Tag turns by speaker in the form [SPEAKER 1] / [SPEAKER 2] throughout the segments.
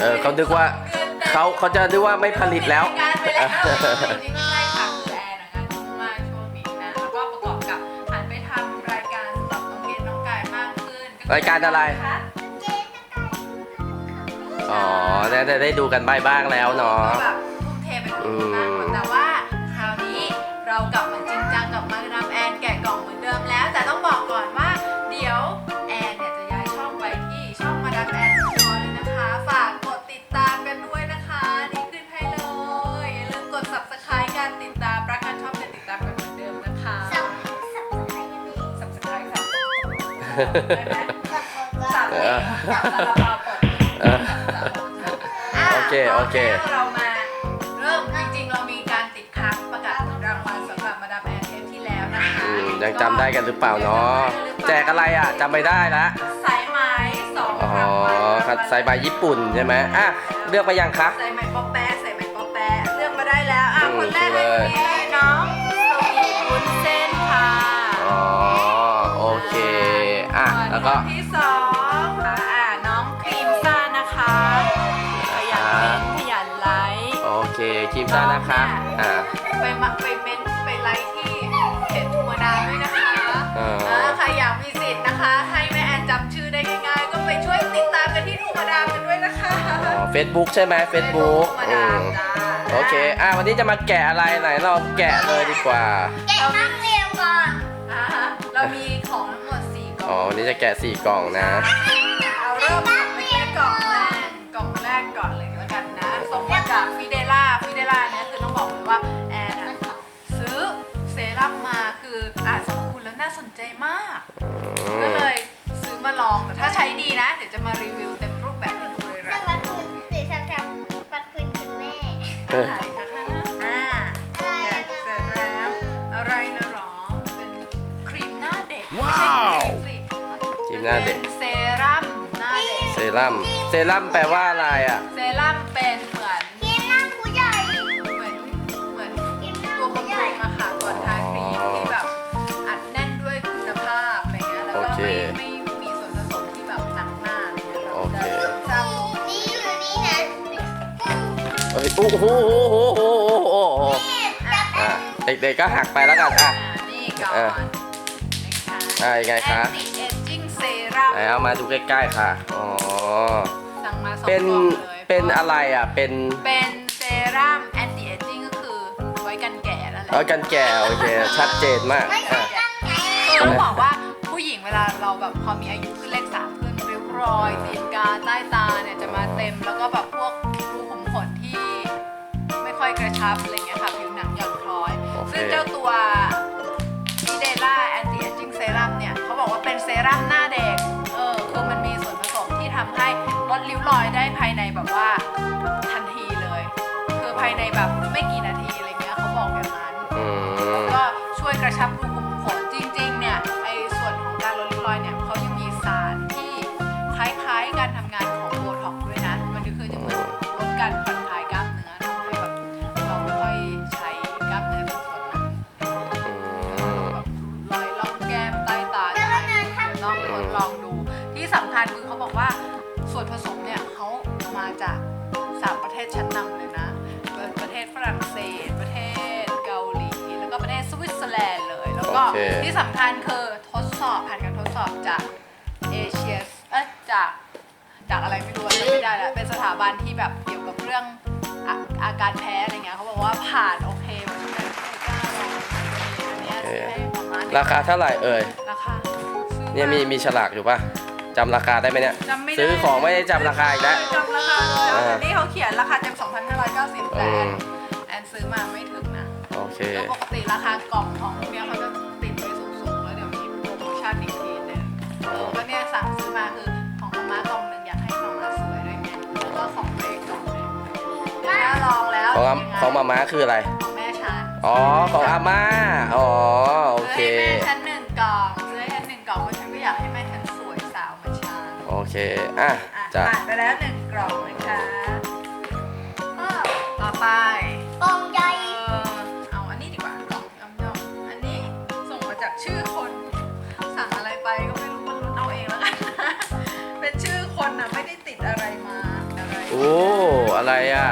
[SPEAKER 1] เขานึกว่าเขาจะนึกว่าไม่ผลิตแล้ว
[SPEAKER 2] จริงๆไม่ใช่ค่ะคือแอนงานยุ่งมากช่วงนี้นะแล้วก็ประกอบกับหันไปทำรายการสำหรับน้องเกณฑ์น้องกายมากขึ้น
[SPEAKER 1] รายการอะไรอ๋อได้ดูกันบ้างแล้วเนาะ
[SPEAKER 2] แบบทุ่มเทไปกับมันมากแต่ว่าคราวนี้เรากลับมาจริงจังกับมาดามแอนแกะกล่องเหมือนเดิมแล้วแต่ต้องบอกก่อนว่าเดี๋ยวแอนเนี่ยจะย้ายช่องไปที่ช่องมาดามแอนเลยนะคะฝากกดติดตามกันด้วยนะคะนี่ขึ้นให้เลยอย่าลืมกด subscribe กันติดตามรักกันชอบกันติดตามกันเหมือนเดิมนะคะ subscribe ค่ะ
[SPEAKER 1] โอเค
[SPEAKER 2] เรามาเริ่มจริงๆเรามีการติดค้างประกาศรางวัลสำหรับมาดามแอนเทปที่แล้วนะคะ
[SPEAKER 1] ยังจำได้กันหรือเปล่าเนาะแจกอะไรอ่ะจำไม่ได้ละ
[SPEAKER 2] สายไหม2 รางวัล
[SPEAKER 1] ครับสายไหมญี่ปุ่นใช่ไหมอ่ะเลือกมายังคะ
[SPEAKER 2] สายไหมป๊อปแป๊ะเลือกมาได้แล้วคนแรกเลยน้องโซอีวุ้นเส้นค่ะ
[SPEAKER 1] อ๋อโอเคแล้วก็
[SPEAKER 2] ที่2น้องครีมซ่านะคะขยันไลค์
[SPEAKER 1] โอเคครีมซ่านะคะ
[SPEAKER 2] ไปเม้นไปไลค์ที่เพจธรรมดาด้วยนะคะใครอยากมีสิทธิ์นะคะให้แม่แอนจำชื่อได้ง่ายๆก็ไปช่วยติดตามกันที่ธรรมดากันด้วยนะคะ
[SPEAKER 1] Facebook ใช่ไหม Facebook โอเควันนี้จะมาแกะอะไรไหนเราแกะเลยดีกว่า
[SPEAKER 3] แกะนั่งเรียงก่อน
[SPEAKER 2] เรามีของทั้งหมด4 กล่อง
[SPEAKER 1] วันนี้จะแกะ4 กล่องนะ
[SPEAKER 2] เอาเริ่มไปแกะกล่องแรกก่อนเลยแล้วกันนะส่งมาจากฟิเดล่าเนี่ยคือต้องบอกเลยว่าแอนซื้อเซรั่มมาคือสรรพคุณแล้วน่าสนใจมากก็เลยซื้อมาลองแต่ถ้าใช้ดีนะเดี๋ยวจะมารีวิวเต็มรูปแบบให้ดูเลยนะ
[SPEAKER 3] ปัดคืนคุณแม่
[SPEAKER 2] เสร็จแล้วอะไรนะหรอเป็นครีมหน้าเด็กไม่ใช่
[SPEAKER 1] ครีมหน้าเด็ก
[SPEAKER 2] เซรั่มหน้าเด็ก
[SPEAKER 1] เซรั่มแปลว่าอะไรอ่ะ
[SPEAKER 2] เซรั่มเป็นเหมือน
[SPEAKER 3] ครีมหน้าผู้ใหญ่
[SPEAKER 2] เหมือนตัวบำรุงอะค่ะตัวทาครีมที่แบบอัดแน่นด้วยคุณภาพอะไรเงี้ยแล้วก็ไม่มีส่วนผสมที่แบบหนักหน้าอะไรเงี้ยเราจะ
[SPEAKER 3] นี่อยู่นี่นะ
[SPEAKER 1] โอ้โหเด็กๆก็หักไปแล้วกัน
[SPEAKER 2] นี่ก่อน
[SPEAKER 1] ยังไงคะ
[SPEAKER 2] Anti Aging Serum
[SPEAKER 1] เอามาดูใกล้ๆค่ะ
[SPEAKER 2] สั่งมา2 กล่องเลย
[SPEAKER 1] เป็นอะไรเป็น
[SPEAKER 2] เซรั่ม Anti Aging ก็คือไว้กันแก่นั่นแหละ
[SPEAKER 1] กันแก่โอเคชัดเจนมาก
[SPEAKER 2] คือต้องบอกว่าผู้หญิงเวลาเราแบบพอมีอายุขึ้นเลข3ขึ้นริ้วรอยตีนกาใต้ตาเนี่ยจะมาเต็มแล้วก็แบบพวกรูขุมขนที่ไม่ค่อยกระชับอะไรเงี้ยค่ะผิวหนังหย่อนคล้อยซึ่งเจ้าตัวฟิเดล่า Anti Aging Serum เนี่ยเขาบอกว่าเป็นเซรั่มหน้าเด็กคือมันมีส่วนผสมที่ทำให้ลดริ้วรอยได้ภายในแบบว่าทันทีเลยคือภายในแบบไม่กี่นาทีอะไรเงี้ยเขาบอกอย่างนั้นแล้วก็ช่วยกระชับรูขุมขนจริงๆเนี่ยไอ้ส่วนของการลดริ้วรอยเนี่ยเขายังมีสารที่คล้ายๆการทำงานของโบท็อกซ์ด้วยนะมันก็คือจะเหมือนลดการผ่อนคลายกล้ามเนื้อทำให้แบบเราไม่ค่อยใช้กล้ามเนื้อเป็นส่วนหนักแบบรอยล่องแก้มใต้ตาต้องทดลองดูที่สำคัญคือเขาบอกว่าส่วนผสมเนี่ยเขามาจาก3 ประเทศชั้นนำเลยนะประเทศฝรั่งเศสประเทศเกาหลีแล้วก็ประเทศสวิตเซอร์แลนด์เลยแล้วก็ที่สำคัญคือผ่านการทดสอบจากเอเชียจากอะไรไม่รู้ไม่ได้แล้วเป็นสถาบันที่แบบเกี่ยวกับเรื่องอาการแพ้อะไรเงี้ยเขาบอกว่าผ่านโอเคเพราะฉะนั้นไม่กล้าลองอันนี้ซื้อให้ประมาณ
[SPEAKER 1] ราคาเท่าไหร่
[SPEAKER 2] ราคา
[SPEAKER 1] เนี่ยมีฉลากอยู่ป่ะจำราคาได้ไหมเนี่ยซื้อของไม่ได้จำราคาอีกแล้ว
[SPEAKER 2] จำราคาเลยนี่เขาเขียนราคาเต็ม 2,590 แต่แอนซื้อมาไม่ถึงนะ
[SPEAKER 1] โอเค
[SPEAKER 2] แล้วปกติราคากล่องของเนี่ยเขาจะติดไว้สูงๆแล้วเดี๋ยวมีโปรโมชั่นอีกทีนึงก็เนี่ยสั่งซื้อมาคือของม้ากล่องนึงอยากให้ม้าสวยด้วยไงแล้วก็ของเล็กกล่องนึงแม่ลองแล้ว
[SPEAKER 1] ของม้าคืออะไร
[SPEAKER 2] ของแม่ฉัน
[SPEAKER 1] ของอาม่าโอเค
[SPEAKER 2] แม่ฉัน1 กล่องซื้อให้ฉัน1 กล่องเพราะฉันก็อยากให้แม่ฉันสวยสาวเหมือนฉัน
[SPEAKER 1] โอเค
[SPEAKER 2] ผ่านไปแล้ว1 กล่องนะคะต่อไป
[SPEAKER 3] กล่องใหญ่
[SPEAKER 2] เอาอันนี้ดีกว่ากล่องย่อมๆอันนี้ส่งมาจากชื่อคนสั่งอะไรไปก็ไม่รู้มันลุ้นเอาเองแล้วกันเป็นชื่อคนนะไม่ได้ติดอะไรมาอะไร
[SPEAKER 1] อะไรอ่ะ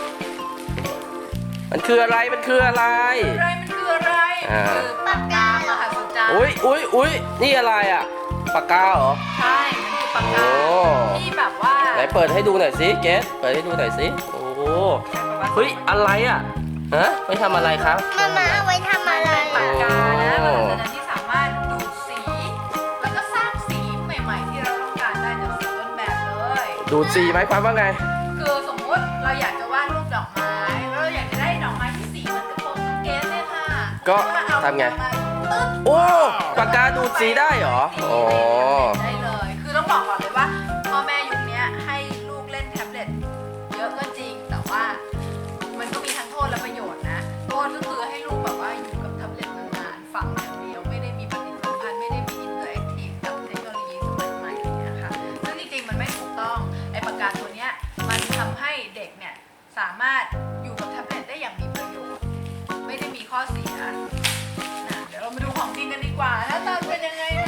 [SPEAKER 1] มันคืออะไรมันคืออะไร
[SPEAKER 2] มันคืออะไร
[SPEAKER 1] อ่า
[SPEAKER 2] คือปากกามหัศจรรย์
[SPEAKER 1] อุ้ยนี่อะไรอ่ะปากกาเหรอ
[SPEAKER 2] ใช่มันคือปากกา
[SPEAKER 1] โอ้
[SPEAKER 2] ที่แบบว่า
[SPEAKER 1] ไหนเปิดให้ดูหน่อยสิเกสเปิดให้ดูหน่อยสิโอ้เฮ้ยอะไรอ่ะฮะไปทำอะไรครับ
[SPEAKER 3] มาเอาไว้ทำอะไร
[SPEAKER 2] ปากกานะมหัศจรรย์ที่สามารถดูดสี แล้วก็สร้างสีใหม่ ๆ ที่เราต้องการได้จากสีต้นแบบเลย
[SPEAKER 1] ดูดสีหมายความว่าไง
[SPEAKER 2] คือสมมติเราอยากจะวาดรูปดอกไม้แล้วเราอยากจะได้ดอกไม้ที่สีเหมือนกับโปสเกตเนี่ยค่ะ
[SPEAKER 1] ก็
[SPEAKER 2] เอา
[SPEAKER 1] ทำไง
[SPEAKER 2] มาตึ๊บ
[SPEAKER 1] โอ้ปากกาดูดสีได้เหรออ๋อ
[SPEAKER 2] ได้เลย คือต้องบอกก่อนเลยว่าพ่อแม่ยุคนี้ให้ลูกเล่นแท็บเล็ตเยอะก็จริง แต่ว่ามันก็มีทั้งโทษและประโยชน์นะ โทษก็คือให้ลูกแบบว่าอยู่กับแท็บเล็ตนานๆฟังอย่างเดียวไม่ได้มีปฏิสัมพันธ์ไม่ได้มีอินเตอร์แอคทีฟกับเทคโนโลยีสมัยใหม่อะไรเงี้ยค่ะซึ่งจริงๆมันไม่ถูกต้องไอ้ปากกาตัวเนี้ยมันทำให้เด็กเนี่ยสามารถอยู่กับแท็บเล็ตได้อย่างมีประโยชน์ไม่ได้มีข้อเสียเดี๋ยวเรามาดูของจริงกันดีกว่าหน้าตาเป็นยังไงนะ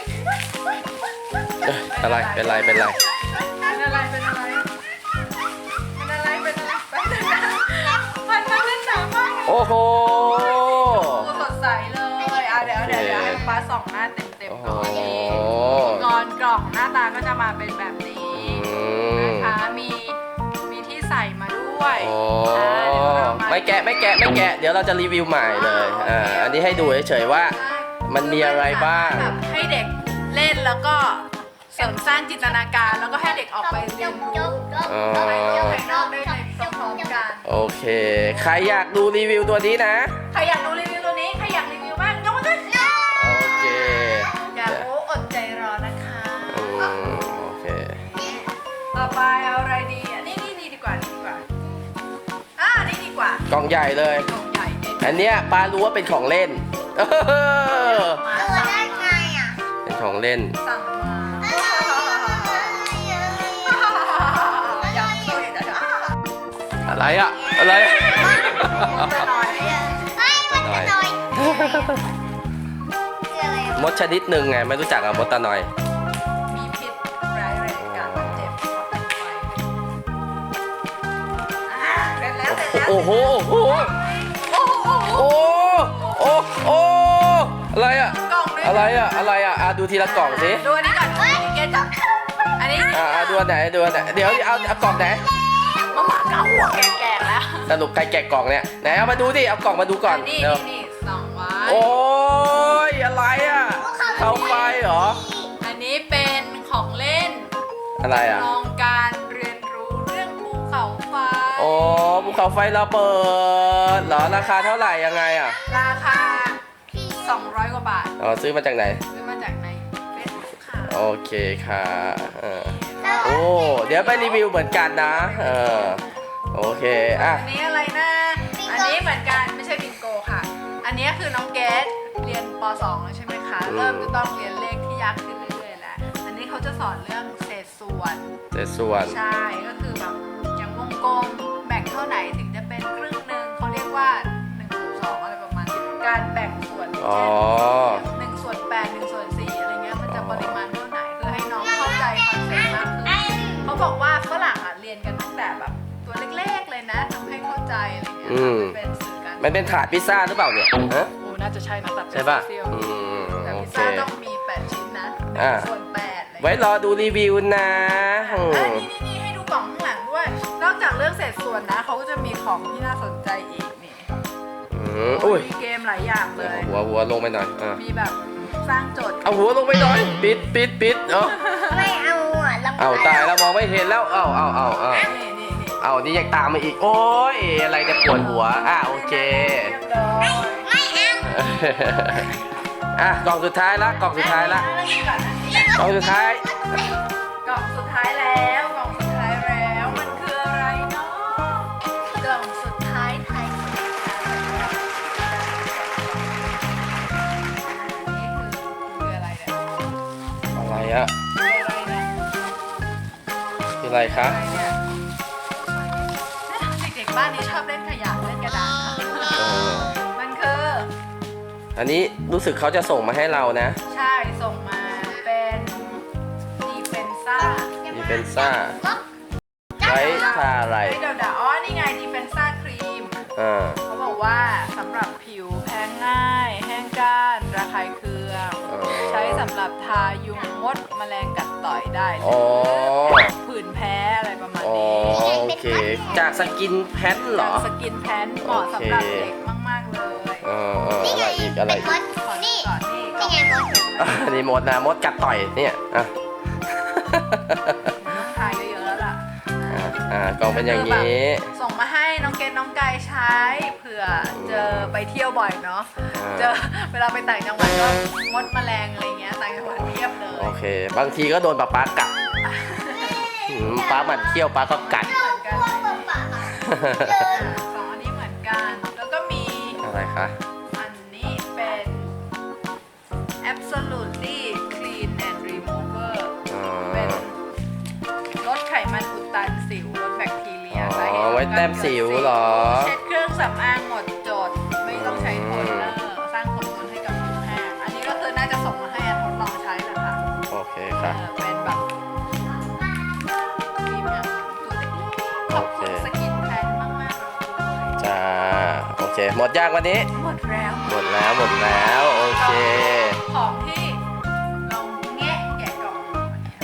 [SPEAKER 1] อะไรเป็นไร
[SPEAKER 2] เป็นอะไร เป็นอะไร เป็นอะไร เป็นอะไร เป็นอะไรแป๊บนึงนะมันมาเล่นหนามาก
[SPEAKER 1] โอ้โห
[SPEAKER 2] สดใสเลยเดี๋ยวให้ฟ้าส่องหน้าเต็มๆก่อนนี่งอนกล่องหน้าตาก็จะมาเป็นแบบนี้นะคะมีที่ใส่มาด้วย
[SPEAKER 1] โอ้ไม่แกะเดี๋ยวเราจะรีวิวใหม่เลยอันนี้ให้ดูเฉยๆว่ามันมีอะไรบ้าง
[SPEAKER 2] แบบให้เด็กเล่นแล้วก็เสริมสร้างจินตนาการแล้วก็ให้เด็กออกไปเรียนรู้ไปเที่ยวภายนอกได้ในพร้อมๆกัน
[SPEAKER 1] โอเค ใครอยากดูรีวิวตัวนี้นะ
[SPEAKER 2] ใครอยากดูรีวิวตัวนี้ ใครอยากรีวิวบ้างยกมือขึ้น
[SPEAKER 1] โอเค
[SPEAKER 2] อยากรู้อดใจรอนะคะ
[SPEAKER 1] โอเค
[SPEAKER 2] ต่อไปเอาอะไรดีอ่ะนี่ดีกว่านี่ดีกว่านี่ดีกว่าก
[SPEAKER 1] ล่องใหญ่เลย
[SPEAKER 2] กล่องใหญ่เนี่ย
[SPEAKER 1] อันเนี้ยปารู้ว่าเป็นของเล่น
[SPEAKER 3] ตัวได้ไงอ่ะ
[SPEAKER 1] เป็นของเล่น
[SPEAKER 2] สั่งมายังสู้อีกนะคะ
[SPEAKER 1] อะไรอะอะไรอะ
[SPEAKER 2] จะหน่อย
[SPEAKER 3] ไม่มันจะน้อยคืออะไร
[SPEAKER 1] มดชนิดหนึ่งไงไม่รู้จักอะมดตาหน่อย
[SPEAKER 2] มีพิษร้ายแรงการบาดเจ็บเพราะเป็นไฟเสร็จแล้ว
[SPEAKER 1] โอ้โหอะไรอะ
[SPEAKER 2] กล่องด้วย
[SPEAKER 1] อะไรอะดูทีละกล่องสิ
[SPEAKER 2] ดูอันนี้ก่อนเกจับอันนี้
[SPEAKER 1] ดูอันไหนเดี๋ยวเอากล่องไหน
[SPEAKER 2] มะหมาเก่าหัวแก่ๆแล้ว
[SPEAKER 1] สรุปใครแกะกล่องเนี่ยไหนเอามาดูดิเอากล่องมาดูก่อน
[SPEAKER 2] นี่
[SPEAKER 1] เร็ว
[SPEAKER 2] ส่องไว้
[SPEAKER 1] โอ้ยอะไรอะเขาไฟเหรอ
[SPEAKER 2] อันนี้เป็นของเล่น
[SPEAKER 1] อะไรอะ
[SPEAKER 2] ลองการเรียนรู้เรื่องภูเขาไฟ
[SPEAKER 1] โอ้ภูเขาไฟระเบิดเหรอราคาเท่าไหร่ยังไงอะ
[SPEAKER 2] ราคา 200 กว่าบาท
[SPEAKER 1] อ๋อซื้อมาจากไหน
[SPEAKER 2] ซื้อมาจากในเฟซบุ๊กค่ะ
[SPEAKER 1] โอเคค่ะโอ้เดี๋ยวไปรีวิวเหมือนกันนะโอเคอ่ะ
[SPEAKER 2] อันนี้อะไรนะ อันนี้เหมือนกันไม่ใช่บิงโกค่ะ อันนี้คือน้องเกดเรียนป .2 แล้วใช่ไหมคะ เริ่มจะต้องเรียนเลขที่ยากขึ้นเรื่อยๆแล้ว อันนี้เขาจะสอนเรื่องเศษส่วน
[SPEAKER 1] แต่ส่วน
[SPEAKER 2] ใช่ ก็คือแบบอย่างวงกลมแบ่งเท่าไหนถึงจะเป็นครึ่งหนึ่งเขาเรียกว่า1/2อะไรประมาณนี้การแบ่งส่วน
[SPEAKER 1] อ๋อ
[SPEAKER 2] เช่น1/8 1/4อะไรเงี้ยมันจะปริมาณเท่าไหนคือให้น้องเข้าใจคอนเซ็ปต์มากขึ้นเขาบอกว่าฝรั่งอ่ะเรียนกันตั้งแต่แบบตัวเล็กๆเลยนะทำให้เข้าใจอะไรเงี้ยเป็นสื่อการ
[SPEAKER 1] มันเป็นถาดพิซซ่าหรือเปล่าเนี่ยฮะ
[SPEAKER 2] โอ้น่าจะใช่นะตัดเป็น
[SPEAKER 1] ใช่ป่ะ
[SPEAKER 2] เซี่ยว แต่
[SPEAKER 1] โอ
[SPEAKER 2] พิซ
[SPEAKER 1] เค
[SPEAKER 2] ซ่าต้องมี8ชิ้นนะ
[SPEAKER 1] อ่า
[SPEAKER 2] 1/8อะไร
[SPEAKER 1] ไว้รอดูรีวิวนะ
[SPEAKER 2] นี่ให้ดูกล่องข้างหลังด้วย นอกจากเรื่องเศษส่วนนะเขาก็จะมีของที่น่าสนใจอีกนี่
[SPEAKER 1] อุ้ย
[SPEAKER 2] มีเกมหลายอย่างเลย
[SPEAKER 1] หัวลงไปหน่อย
[SPEAKER 2] มีแบบสร้างโจทย์
[SPEAKER 1] เอาหัวลงไปหน่อยปิดเนาะ
[SPEAKER 3] ไม่เอาอ่ะ
[SPEAKER 1] เอาตายแล้วมองไม่เห็นแล้วเอา
[SPEAKER 2] นี่
[SPEAKER 1] เอานี่ยังตามมาอีกโอ้ยอะไรจะปวดหัวโอเค
[SPEAKER 2] เรียบร้อย
[SPEAKER 3] ไม่เอา
[SPEAKER 1] กล่องสุดท้ายละกล่องสุดท้ายละกล่องสุดท้าย
[SPEAKER 2] กล่องสุดท้ายแล้วกล่องสุดท้ายแล้วมันคืออะไรเนาะกล่องสุดท้ายไทยนี่คืออะไรเนี่ย
[SPEAKER 1] อะไรอะ
[SPEAKER 2] คืออะไรเนี่ย
[SPEAKER 1] คืออะไรคะ
[SPEAKER 2] อะไรเนี่ยเด็กๆบ้านนี้ชอบเล่นขยะเล่นกระดาษมันคือ
[SPEAKER 1] อันนี้รู้สึกเขาจะส่งมาให้เรานะ
[SPEAKER 2] ใช่ส่งมาเป็นดีเฟนซ่า
[SPEAKER 1] ดีเฟนซ่าว้ทาอะไร
[SPEAKER 2] เดี๋ยวอ๋อนี่ไงดีเฟนซ่าครีม
[SPEAKER 1] อ่า
[SPEAKER 2] เขาบอกว่าสำหรับผิวแพ้ง่าย แห้งก้านระคายเคือง ใช้สำหรับทายุงมดแมลงกัดต่อยได้หรื
[SPEAKER 1] อ๋อ
[SPEAKER 2] ผื่นแพ้อะไรประมาณ
[SPEAKER 1] อ๋อ
[SPEAKER 2] นี้
[SPEAKER 1] โอเค จากสกินแพนเหรอ
[SPEAKER 2] สกินแพนเหมาะสำหรับเด็กมาก ๆ เลย
[SPEAKER 3] นี่
[SPEAKER 1] อะ
[SPEAKER 3] ไง
[SPEAKER 1] ไรอีกอะไร
[SPEAKER 3] เป็น
[SPEAKER 1] อี
[SPEAKER 3] ม
[SPEAKER 1] ก
[SPEAKER 3] ดนี่
[SPEAKER 2] ก่อนนี่
[SPEAKER 3] นี่ไงมด
[SPEAKER 1] อันนี้มดนะมดกัดต่อยเนี่ยอ่ะ
[SPEAKER 2] ต้องทาเยอะๆแล้วล่ะ
[SPEAKER 1] กล่องเป็นอย่างนี้
[SPEAKER 2] ส่งมาให้น้องเกดน้องกายใช้เผื่อเจอไปเที่ยวบ่อยเนาะ เจอเวลาไปต่างจังหวัดก็มดแมลงอะไรเงี้ยต่างจังหวัดเทียบเลย
[SPEAKER 1] โอเค บางทีก็โดนป๊ากัดป๊าหมันเที่ยวป๊าก็กัด
[SPEAKER 2] เหมือนกัน
[SPEAKER 3] พวกปะปะ
[SPEAKER 2] สองอันนี้เหมือนกัน แล้วก็มี
[SPEAKER 1] อะไรคะ
[SPEAKER 2] อันนี้เป็น absolutely clean and remover เป็นลดไขมันอุดตันสิวลดแบคทีเรีย
[SPEAKER 1] อ๋อ
[SPEAKER 2] สาเหตุของ
[SPEAKER 1] ไว้แต้มสิวเหรอ
[SPEAKER 2] เช็ดเครื่องสำอางหมดจด ไม่ต้องใช้โทนเนอร์สร้างความนุ่มให้กับผิวแห้งอันนี้ก็คือน่าจะส่งมาให้อันทดลองใช้แหละค่ะ
[SPEAKER 1] โอเคค่ะ
[SPEAKER 2] เป็นแบบครีมอย่างตัวเล็กๆขอบคุณสกินแพนมากๆเลย
[SPEAKER 1] จ้า โอเค หมดยากวันนี้
[SPEAKER 2] หมดแล้ว
[SPEAKER 1] หมดแล้ว หมดแล้ว โอเค
[SPEAKER 2] ของที่เราแงะแกะกล่องวันนี้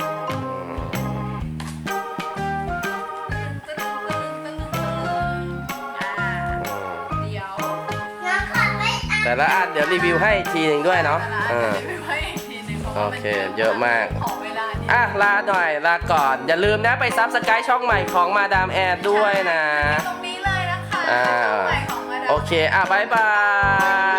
[SPEAKER 2] เดี๋ยว
[SPEAKER 3] น้องขับไม่ตาม
[SPEAKER 1] แต่ละอันเดี๋ยวรีวิวให้อีกทีหนึ่งด้วยเนาะ
[SPEAKER 2] แต่ละอันจะไปไว้อีกทีหนึงพราะว่า
[SPEAKER 1] โอเคเยอะมาก
[SPEAKER 2] ขอเวลานิด
[SPEAKER 1] อ่ะ ลาหน่อย ลาก่อน อย่าลืมนะไปซับสไครต์ช่องใหม่ของมาดามแอนด้วยนะ
[SPEAKER 2] ตรงนี้เลยนะคะ
[SPEAKER 1] อ่า
[SPEAKER 2] ช่องใหม่ของมาดาม
[SPEAKER 1] โอเค อ่ะบายบาย